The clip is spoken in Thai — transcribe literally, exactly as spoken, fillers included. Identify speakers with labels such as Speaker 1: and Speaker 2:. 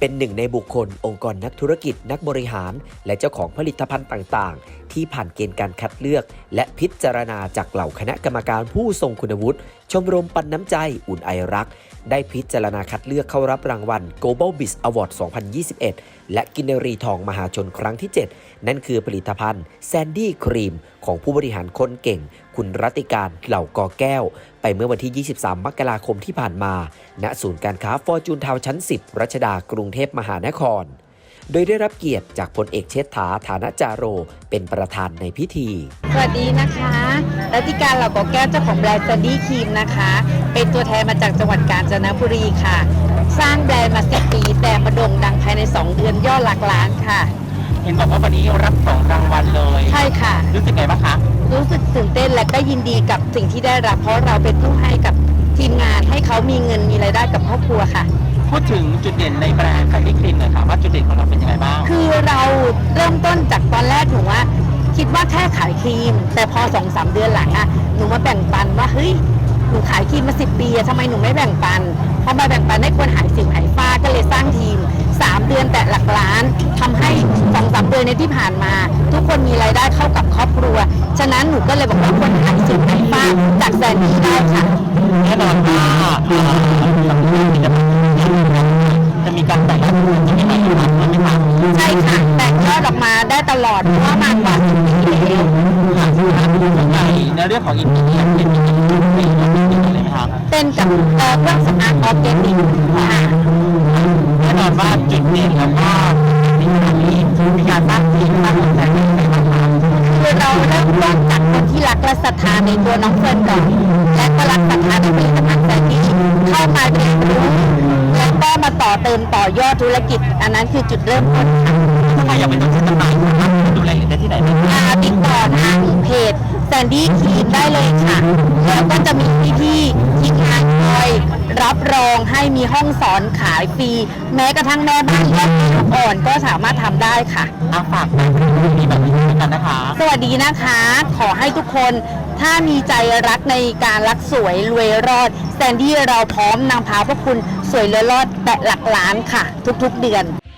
Speaker 1: เป็นหนึ่งในบุคคลองค์กรนักธุรกิจนักบริหารและเจ้าของผลิตภัณฑ์ต่างๆที่ผ่านเกณฑ์การคัดเลือกและพิจารณาจากเหล่าคณะกรรมการผู้ทรงคุณวุฒิชมรมปันน้ำใจอุ่นไอรักได้พิจารณาคัดเลือกเข้ารับรางวัล Global Biz Award สองพันยี่สิบเอ็ด และกินรีทองมหาชนครั้งที่ เจ็ด นั่นคือผลิตภัณฑ์แซนดี้ครีมของผู้บริหารคนเก่งคุณรัติการเหล่ากอแก้วไปเมื่อวันที่ ยี่สิบสาม มกราคมที่ผ่านมาณศูนย์การค้าฟอร์จูนทาวน์ชั้น สิบ รัชดากรุงเทพมหานครโดยได้รับเกียรติจากพลเอกเชษฐาฐานะจาโรเป็นประธานในพิธี
Speaker 2: สวัสดีนะคะรัติการเหล่ากอแก้วเจ้าของแบรนด์แซนดี้ครีมนะคะเป็นตัวแทนมาจากจังหวัดกาญจนบุรีค่ะสร้างแบรนด์มาสิบปีแต่มาโด่งดังภายในสองเดือนยอดหลักล้านค่ะ
Speaker 3: เห็นบอกว่าวันนี้รับสองรางวัลเลย
Speaker 2: ใช่ค่ะ
Speaker 3: รู้สึกไงบ้างคะ
Speaker 2: รู้สึกตื่นเต้นและก็ยินดีกับสิ่งที่ได้รับเพราะเราเป็นผู้ให้กับทีมงานให้เขามีเงินมีรายได้กับครอบครัวค่ะ
Speaker 3: พูดถึงจุดเด่นในแบรนด์แซนดี้ครีมหน่อยค่ะว่าจุดเด่นของเราเป็นยังไงบ้าง
Speaker 2: คือเราเริ่มต้นจากตอนแรกหนูว่าคิดว่าแค่ขายครีมแต่พอสองสามเดือนหลังอะหนูมาแบ่งปันว่าเฮ้ยหนูขายครีมมาสิบปีทำไมหนูไม่แบ่งปันพอมาแบ่งปันให้คนหายสิวหายฝ้าก็เลยสร้างทีมสามเดือนแต่หลักล้านทำให้สองสามเดือนในที่ผ่านมาทุกคนมีรายได้เข้ากับครอบครัวฉะนั้นหนูก็เลยบอกว่าคนหายสิวหายฝ้าจากแซนดี้ได้ค่ะ
Speaker 3: แน่นอนว่าจะมีการแบ่งยอดจะมีการแบ่งยอดใช่ไหมคะ
Speaker 2: ใช่ค่ะแบ่งยอดออกมาได้ตลอดเพราะว่ามากกว่าสิบปีแล้ว
Speaker 3: ส่วนใหญ่ในเรื่องของอินเดียเป็นอินเดียเป็นอะไรไหมคะ
Speaker 2: เป็นกับเครื่องสำอางออร์แกนิกค่ะ
Speaker 3: แน่นอนว่าจุดเด่นแล้วก็ในขณะนี้มีการสร้างทีมสร้างคนแทนในการทำ
Speaker 2: คือเราเริ่มต้นจากคนที่รักและศรัทธาในตัวน้องเฟิร์นก่อนและก็รักศรัทธาในผลิตภัณฑ์แซนดี้เข้ามาเรียนรู้แล้วก็มาต่อเติมต่อยอดธุรกิจอันนั้นคือจุดเริ่มต้นค่ะ
Speaker 3: ทำไมอยากเป็นตัวแทนจำหน่ายดูแลได้ที่ไหนบ้าง
Speaker 2: ติดต่อทางเพจแซนดี้ครีมได้เลยค่ะแล้วก็จะมีพี่ๆทีมงานคอยรับรองให้มีห้องสอนขายฟรีแม้กระทั่งแม่บ้านและลูกอ่อนก็สามารถทำได้ค่ะ
Speaker 3: อาฝากมีแบบนี้กันนะคะ
Speaker 2: สวัสดีนะคะขอให้ทุกคนถ้ามีใจรักในการรักสวยรวยรอดแซนดี้เราพร้อมนำพาพวกคุณสวยรวยรอดแต่หลักล้านค่ะทุกๆเดือน